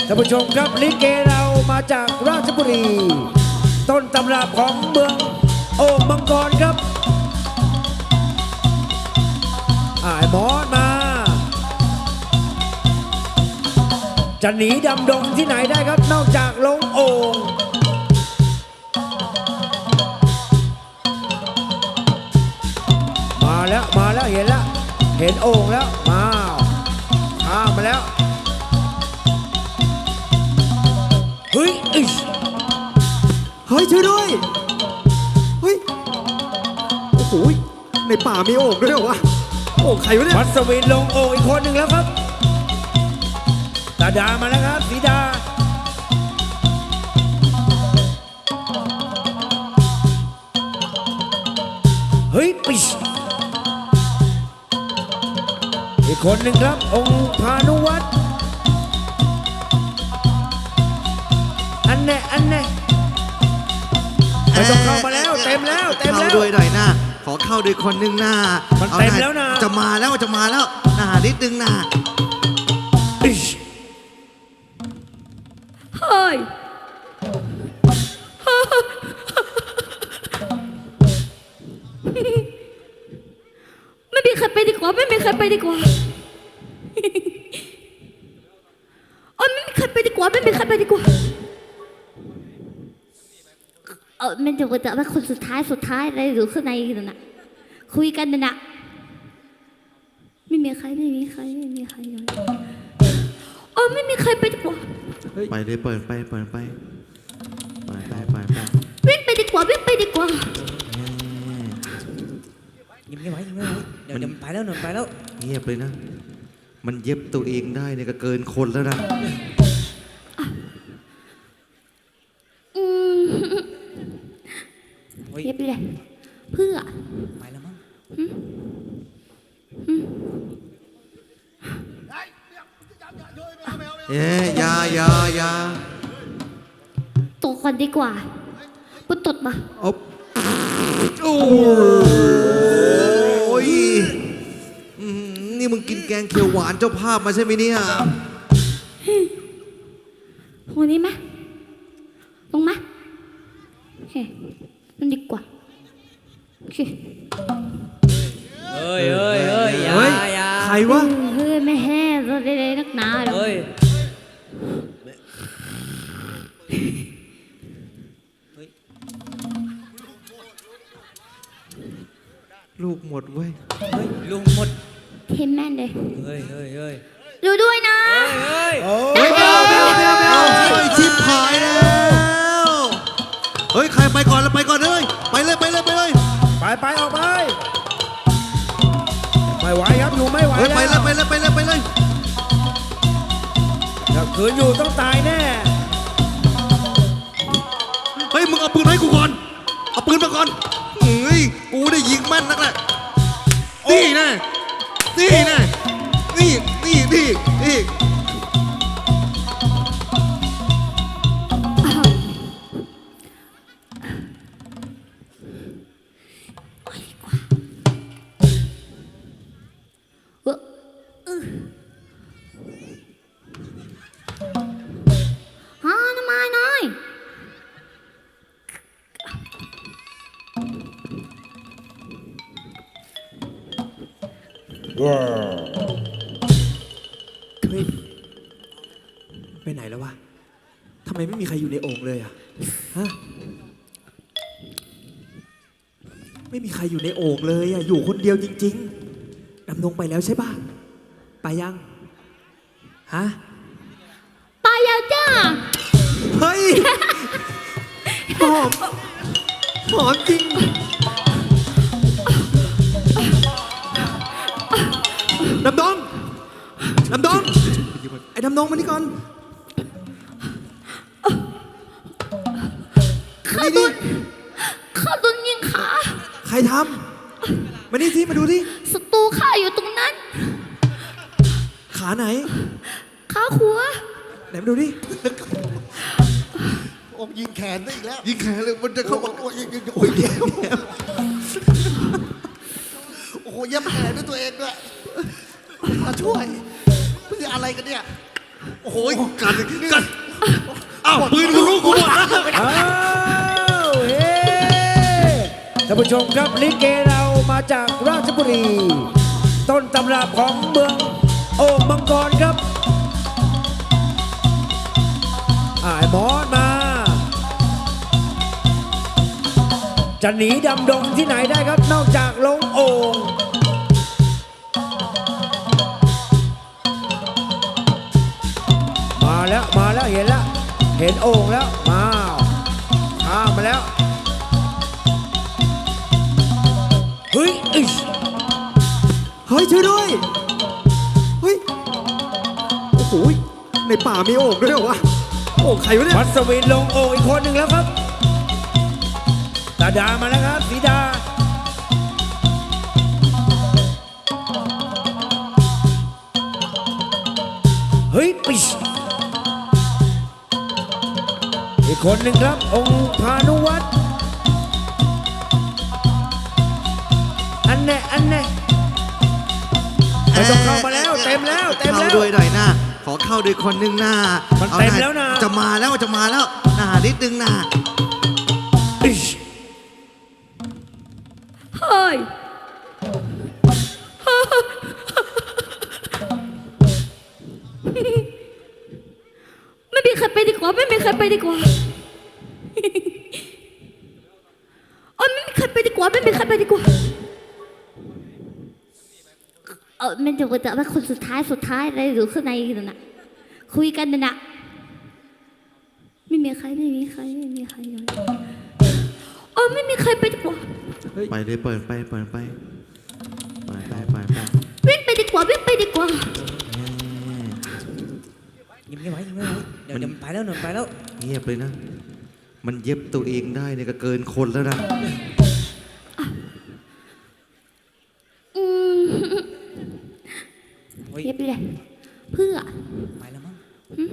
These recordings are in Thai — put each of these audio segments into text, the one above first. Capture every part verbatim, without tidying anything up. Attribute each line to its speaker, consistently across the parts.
Speaker 1: ท่านผู้ชมครับลิเกเรามาจากราชบุรีต้นตำรับของเมืองโอ่งมังกรครับอ่ายมอสมาจะหนีดำดงที่ไหนได้ครับนอกจากลงโอ่งมาแล้วมาแล้วเห็นแล้วเห็นโอ่งแล้วมาข้ามมาแล้วเฮ้ยอิช
Speaker 2: เฮ้ยช่วยด้วยเฮ้ยโอ้โหในป่ามีโอ่งด้วยเหรอวะโอ่งใครวะเนี่ย
Speaker 1: มัสวินลงโอ่งอีกคนหนึ่งแล้วครับตาดามาแล้วครับสีดาเฮ้ยปิชอีกคนหนึ่งครับองค์พานุวัฒน์อันแน่อันแน่ไม่ต้องเข้ามาแล้วเต็มแล้วเต็มแล้ว
Speaker 3: เข้าด้วยหน่อยหน้าขอเข้าด้วยคนหนึ่งหน้า
Speaker 1: มันเต็มแล้วนะ
Speaker 3: จะมาแล้วจะมาแล้วหน้านิดนึงหน้า
Speaker 4: เฮ้ยไม่มีใครไปดีกว่าไม่มีใครไปดีกว่าโอ้ยไม่มีใครไปดีกว่าไม่มีใครไปดีกว่าเออมันจะแต่ว่าคนสุดท้ายสุดท้ายอะไรอยู่ข้างในนั่นน่ะคุยกันนั่นน่ะไม่มีใครไม่มีใครไม่มีใครเลยโอ้ยไม่มีใครไปดีกว่า
Speaker 3: ไปเลยเปิดไปเปิดไปไปไปไปไป
Speaker 4: วิ่งไปดีกว่าวิ่งไปดีกว่า
Speaker 1: ยิ้มไม่ไหวยิ้มไม่ไหวเดี๋ยวเดี๋ยวไปแล้วหนุนไปแล้ว
Speaker 3: เงียบเลยนะมันเย็บตัวเองได้เนี่ยก็เกินคนแล้วนะ
Speaker 4: เย็บเลยเพื่อ
Speaker 1: ไปแล้วมั้ง
Speaker 3: เอ๊ยยายายา
Speaker 4: ตกก่อนดีกว่าปุ๊บตดมา
Speaker 3: อ๊บโอ้ยนี่มึงกินแกงเขียวหวานเจ้าภาพมาใช่ไหมเนี่ย
Speaker 4: วันนี้ไหมลงไหมโอเคนั่นดีกว่าโอเค
Speaker 1: เฮ้ยเฮ้ยเฮ้ยอย่าอย่า
Speaker 2: ใครวะ
Speaker 4: เฮ้ยไม่แห้เราได้เลยนักหนาหรอก
Speaker 1: เฮ้ย
Speaker 3: ลูกหมดเว้ย
Speaker 1: เฮ้ยลูกหมด
Speaker 4: เทมแม่นเลย
Speaker 1: เฮ้ยเฮ้ยเฮ้ย
Speaker 4: ดูด้วยนะ
Speaker 1: เฮ้ย
Speaker 3: เฮ้ยไม่เอาไม่เอาไม่เอาไม่เอาเฮ้ยชิบหายแล้วเฮ้ยใครไปก่อนแล้วไปก่อนเลยไปเลยไปเลยไปเลย
Speaker 1: ไปไปออกไปไม่ไหวครับอยู่ไม่ไหวแล้ว
Speaker 3: ไปเลยไปเลยไปเลยไปเลย
Speaker 1: ถ้าคืนอยู่ต้องตายแน่
Speaker 3: เฮ้ยมึงเอาปืนให้กูก่อนเอาปืนมาก่อนเฮ้ยกูได้ยิงแม่นนักแหละนี่แน่นี่แน่นี่นี่นี่นี่
Speaker 4: ฮาน้ำมาหน่อย
Speaker 2: เฮ้ยไปไหนแล้ววะทำไมไม่มีใครอยู่ในโอ่งเลยอะฮะไม่มีใครอยู่ในโอ่งเลยอะอยู่คนเดียวจริงๆดำดงไปแล้วใช่ป่ะไปยังฮะ
Speaker 4: ไปแล้วจ้า
Speaker 2: เฮ้ยหอมหอมจริงดำดงดำดงไอ้ดำดงมานี่ก่อน
Speaker 4: ข้าโดนข้าโดนยิงขา
Speaker 2: ใครทำมานี่สิมาดูสิ
Speaker 4: ศัตรูข้าอยู่ตรงนั้น
Speaker 2: ขาไหน
Speaker 4: ขาหัว
Speaker 2: ไหนมาดูดิ
Speaker 3: โอ้ยิงแขนได้อีกแล้วยิงแขนเลยมันจะเข้ามาโอ้ยยิงโอ้ยโอ้โหเย็บแผลด้วยตัวเองด้วยมาช่วยมันจะอะไรกันเนี่ยโอ้โหกันกันอ้าวปืนกูรู้กูหมดแล้ว
Speaker 1: อ้าวเฮ้ท่านผู้ชมครับลิเกเรามาจากราชบุรี ต้นตำรับของเมืองโอ่งมังกรครับอ่าไอ้หมอนมา จะหนีดำดงที่ไหนได้ครับนอกจากลงโอ่งมาแล้วมาแล้วเห็นแล้วเห็นโอ่งแล้วมาข้ามมาแล้วเฮ้ยอิ๊ช
Speaker 2: เฮ้ยช่วยด้วย เฮ้ย โอ้โหในป่ามีโอ่งด้วยเหรอวะ โอ่งใครวะเนี่ย
Speaker 1: มัสวินลงโอ่งอีกคนหนึ่งแล้วครับตาดามาแล้วครับสีดาเฮ้ยปิชอีกคนหนึ่งครับองค์พานุวัฒน์อันแน่อันแน่ไม่ต้องเข้ามาแล้วเต็มแล้วเต็ม
Speaker 3: เข้า
Speaker 1: แล้ว
Speaker 3: ด้วยหน่อยหน้าขอเข้าด้วยคนหนึ่งหน้า
Speaker 1: มัน
Speaker 3: อา
Speaker 1: เต็ม
Speaker 3: หา
Speaker 1: แล้วนะ
Speaker 3: จะมาแล้วจะมาแล้วหน้านิดนึงหน้า
Speaker 1: อิ๊ช
Speaker 4: เฮ้ย ไม่มีใครไปดีกว่า ไม่มีใครไปดีกว่าโอ้ยไม่มีใครไปดีกว่า ไม่มีใครไปดีกว่าเออมันจะแต่ว่าคนสุดท้ายสุดท้ายอะไรอยู่ข้างในนั่นน่ะคุยกันนั่นน่ะไม่มีใครไม่มีใครไม่มีใครเลยโอ้ยไม่มีใครไปดีกว่า
Speaker 3: ไปเลยเปิดไปเปิดไปไปไปไปไป
Speaker 4: วิ่งไปดีกว่าวิ่งไปดีกว่า
Speaker 1: ยิ้มไม่ไหวยิ้มไม่ไหวเดี๋ยวเดี๋ยวมันไปแล้วเดี๋ยวมันไปแล้ว
Speaker 3: เงียบเลยนะ มันเย็บตัวเองได้เนี่ยก็เกินคนแล้วนะ
Speaker 4: อืมเย็บเลยเพื่อ
Speaker 1: ไปแล้วมั้ง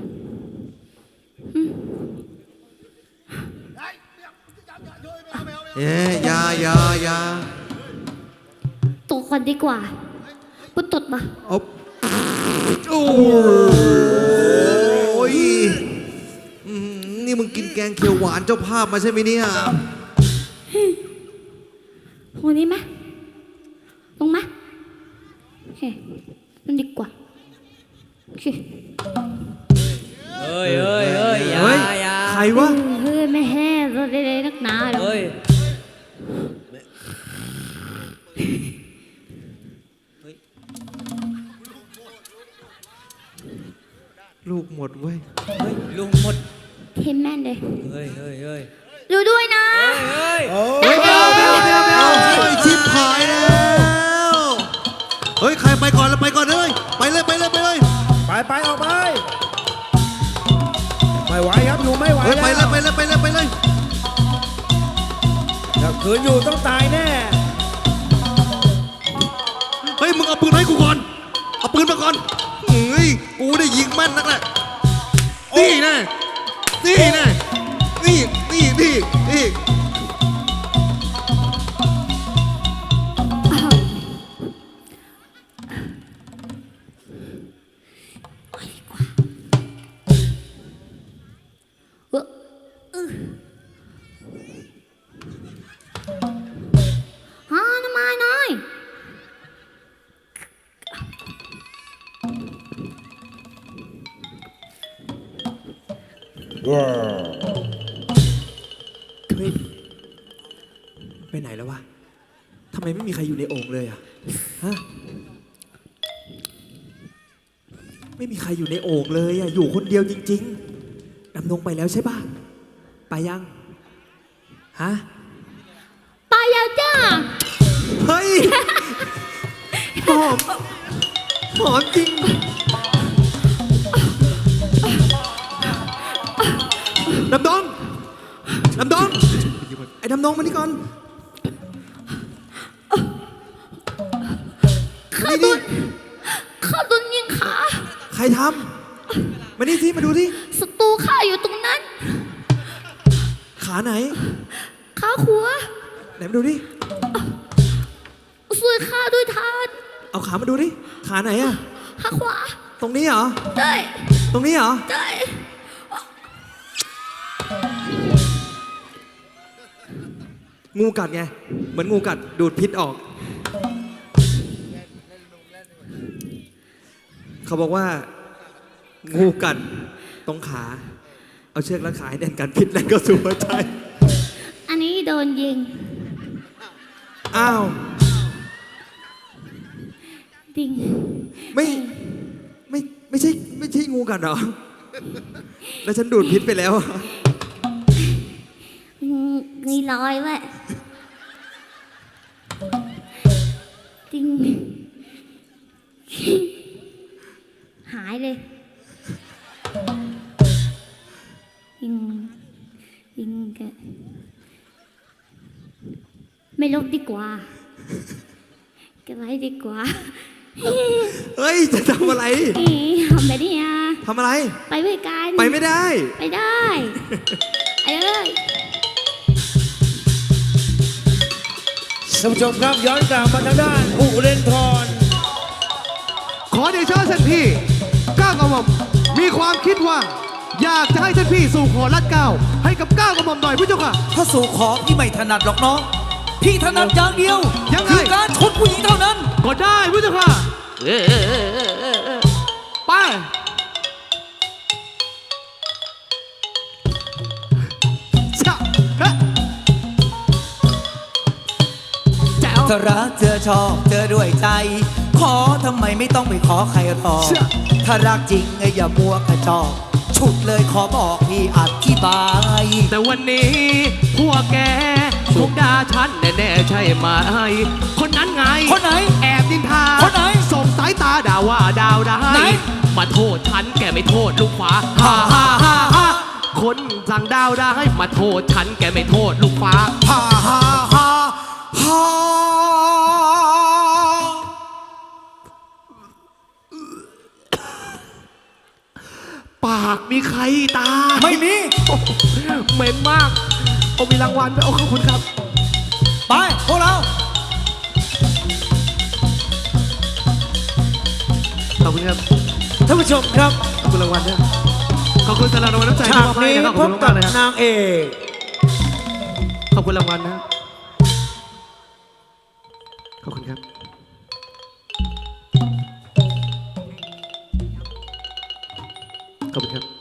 Speaker 3: เอ๊ยอยาอยาอยา
Speaker 4: ตกก่อนดีกว่าปุ๊บตดมา
Speaker 3: เอาโอ้ยอื้อหือนี่มึงกินแกงเขียวหวานเจ้าภาพมาใช่ไหมเนี่ย
Speaker 4: หัวนี้ไหมลงไหมโอเคนั่นดีกว่าโอเค
Speaker 5: เอ้ยเอ้ยเอ้ยอย่า
Speaker 2: เฮ้ย
Speaker 5: อย่า
Speaker 2: ใครวะ
Speaker 4: เฮ้ยไม่แห้เราได้เลยนักหนาหรอก
Speaker 5: เอ้ย
Speaker 3: ลูกหมดเว้ย
Speaker 5: เฮ้ยลุงหมด
Speaker 4: เทมแม่นเลย
Speaker 5: เฮ้ยเฮ้ยเฮ้ย
Speaker 4: ดูด้วยนะ
Speaker 5: เฮ้ย
Speaker 1: โอ้
Speaker 3: เฮ้ยไม่เอาไม่เอาไม่เอาไม่เอาเฮ้ยชิบหายแล้วเฮ้ยใครไปก่อนแล้วไปก่อนเลยไปเลยไปเลยไปเลย
Speaker 1: ไปไปออกไปไม่ไหวครับอยู่ไม่ไหว
Speaker 3: เฮ้ย
Speaker 1: แล้ว
Speaker 3: ไปเลยไปเลยไปเลยไปเลย
Speaker 1: ถ้าคืนอยู่ต้องตายแน่
Speaker 3: เฮ้ยมึงเอาปืนให้กูก่อนเอาปืนมาก่อนเฮ้ยกูได้ยิงแม่นนักแหละนี่แน่นี่แน่นี่นี่นี่นี่
Speaker 4: เออเออฮาน้ำมาหน่อย
Speaker 2: เฮ้ย ไปไหนแล้ววะ ทำไมไม่มีใครอยู่ในโอ่งเลยอะฮะ ไม่มีใครอยู่ในโอ่งเลยอะอยู่คนเดียวจริงๆ ดำดงไปแล้วใช่ป่ะ ไปยัง ฮะ
Speaker 4: ไปยาวจ้า
Speaker 2: เฮ้ย หอม หอมจริง ดำดง ดำดง ไอ้ดำดงมานี่ก่อน
Speaker 4: ข้าโดนข้าโดนยิงขา
Speaker 2: ใครทำ มานี่สิมาดูสิ
Speaker 4: ศัตรูข้าอยู่ตรงนั้น
Speaker 2: ขาไหน
Speaker 4: ขาหัว
Speaker 2: ไหนมาดูดิ
Speaker 4: ช่วยข้าด้วยทาน
Speaker 2: เอาขามาดูดิ ขาไหนอะ
Speaker 4: ขาขวา
Speaker 2: ตรงนี้เหรอ
Speaker 4: ได้
Speaker 2: ตรงนี้เหรอ
Speaker 4: ใช่
Speaker 2: งูกัดไง เหมือนงูกัดดูดพิษออก เขาบอกว่า งูกัดตรงขา เอาเชือกรัดขาให้แน่นกันพิษแล่นก็สู่หัวใจ
Speaker 4: อันนี้โดนยิง
Speaker 2: อ้าว
Speaker 4: ดิง
Speaker 2: ไม่ ไม่ ไม่ใช่ ไม่ใช่งูกัดเหรอ แล้วฉันดูดพิษไปแล้วอะ
Speaker 4: มีรอยไว้ดิงหายเลยยิงยิงแกไม่ลบดีกว่าเก็บไว้ดีกว่า
Speaker 2: เฮ้ย จะทำอะไร
Speaker 4: อีทำไปดิอ่ะ
Speaker 2: ทำอะไร
Speaker 4: ไปด้วยกัน
Speaker 2: ไปไม่ได้
Speaker 4: ไปได้ไปเลย
Speaker 1: ท่านผู้ชมครับย้อนกลับมาทางด้านอุเรนทร
Speaker 6: ขอเดชะท่านพี่ก้าวกระหม่อมมีความคิดว่า อยากจะให้ท่านพี่สู่ขอรัดเกล้าให้กับก้าวกระหม่อมหน่อยพระเจ้าค่ะ
Speaker 5: ถ้าสู่ขอพี่ไม่ถนัดหรอกน้อง พี่ถนัดอย่างเดียว
Speaker 6: ยังไง
Speaker 5: คือการชนผู้หญิงเท่านั้น
Speaker 6: ก็ได้พระเจ้าค่ะไปชะฮะแจ๋ว
Speaker 5: ถ้ารักเธอชอบเธอด้วยใจ ขอทำไมไม่ต้องไปขอใครหรอก
Speaker 6: เชื่อ
Speaker 5: ถ้ารักจริงอย่ามัวกระจอกฉุดเลยขอบอกพี่อธิบาย
Speaker 6: แต่วันนี้พวกแกคงด่าฉันแน่ๆใช่ไหมคนนั้นไง
Speaker 5: คนไหน
Speaker 6: แอบดินทา
Speaker 5: คนไหน
Speaker 6: ส่งสายตาด่าว่าดาวได้
Speaker 5: ไหน
Speaker 6: มาโทษฉันแกไม่โทษลูกฟ้าฮ่าฮ่าฮ่าฮ่าคนสั่งดาวได้มาโทษฉันแกไม่โทษลูกฟ้า
Speaker 5: ฮ่าฮ่าฮ่าฮ่า
Speaker 6: ปากมีใครตา
Speaker 5: ไม่มี
Speaker 6: เหม็นมากโอ้มีรางวัลด้วยโอ้ขอบคุณครับ
Speaker 5: ไปพวกเรา
Speaker 6: ขอบคุณครับ
Speaker 1: ท่านผู้ชมครับ
Speaker 6: ขอบคุณรางวัลด้วยขอบคุณสำหรับรางวัลน้ำใจ
Speaker 1: ฉาก
Speaker 6: ที่มอบให้
Speaker 1: นี้
Speaker 6: นะครับข
Speaker 1: พ
Speaker 6: อบบ คุณ
Speaker 1: กั
Speaker 6: มา
Speaker 1: บ
Speaker 6: กๆเลยครับ
Speaker 1: นางเอก
Speaker 6: ขอบคุณรางวัลนะครับขอบคุณครับ ขอบคุณครับ